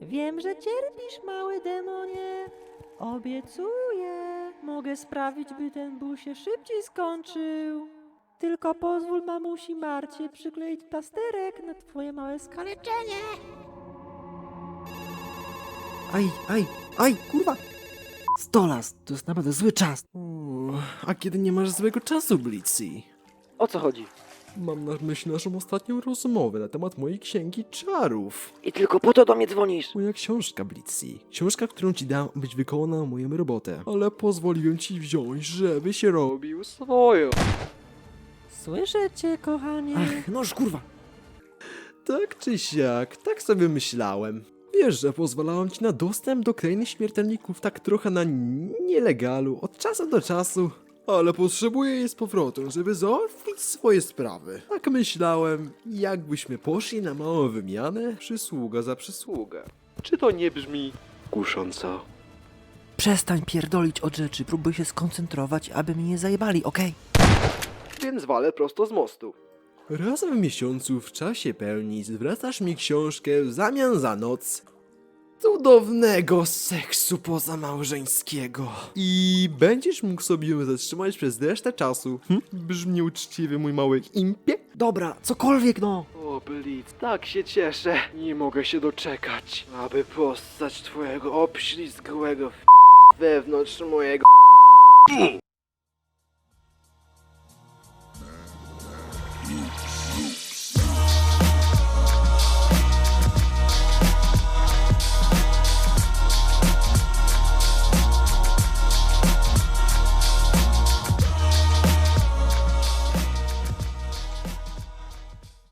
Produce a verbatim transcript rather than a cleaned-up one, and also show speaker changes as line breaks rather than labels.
Wiem, że cierpisz, mały demonie. Obiecuję, mogę sprawić, by ten ból się szybciej skończył. Tylko pozwól mamusi Marcie przykleić plasterek na twoje małe skaleczenie.
Aj, aj, aj, kurwa! Stolas, to jest naprawdę zły czas. Uuu, a kiedy nie masz złego czasu, Blitzy?
O co chodzi?
Mam na myśli naszą ostatnią rozmowę na temat mojej księgi czarów.
I tylko po to do mnie dzwonisz?
Moja książka, Blitzy. Książka, którą ci dam, byś wykonał moją robotę. Ale pozwoliłem ci wziąć, żeby się robił swoją.
Słyszę cię, kochanie.
Ach, noż kurwa! Tak czy siak, tak sobie myślałem. Wiesz, że pozwalałem ci na dostęp do krainy śmiertelników tak trochę na nielegalu, od czasu do czasu. Ale potrzebuję jej z powrotem, żeby załatwić swoje sprawy. Tak myślałem, jakbyśmy poszli na małą wymianę, przysługa za przysługę. Czy to nie brzmi kusząco?
Przestań pierdolić od rzeczy, próbuj się skoncentrować, aby mnie nie zajebali, okej?
Więc walę prosto z mostu. Raz w miesiącu w czasie pełni zwracasz mi książkę w zamian za noc cudownego seksu pozamałżeńskiego. I będziesz mógł sobie ją zatrzymać przez resztę czasu. Hm? Brzmi uczciwy, mój mały impie.
Dobra, cokolwiek no!
O, Blitz, tak się cieszę. Nie mogę się doczekać, aby postać twojego obślizgłego f- wewnątrz mojego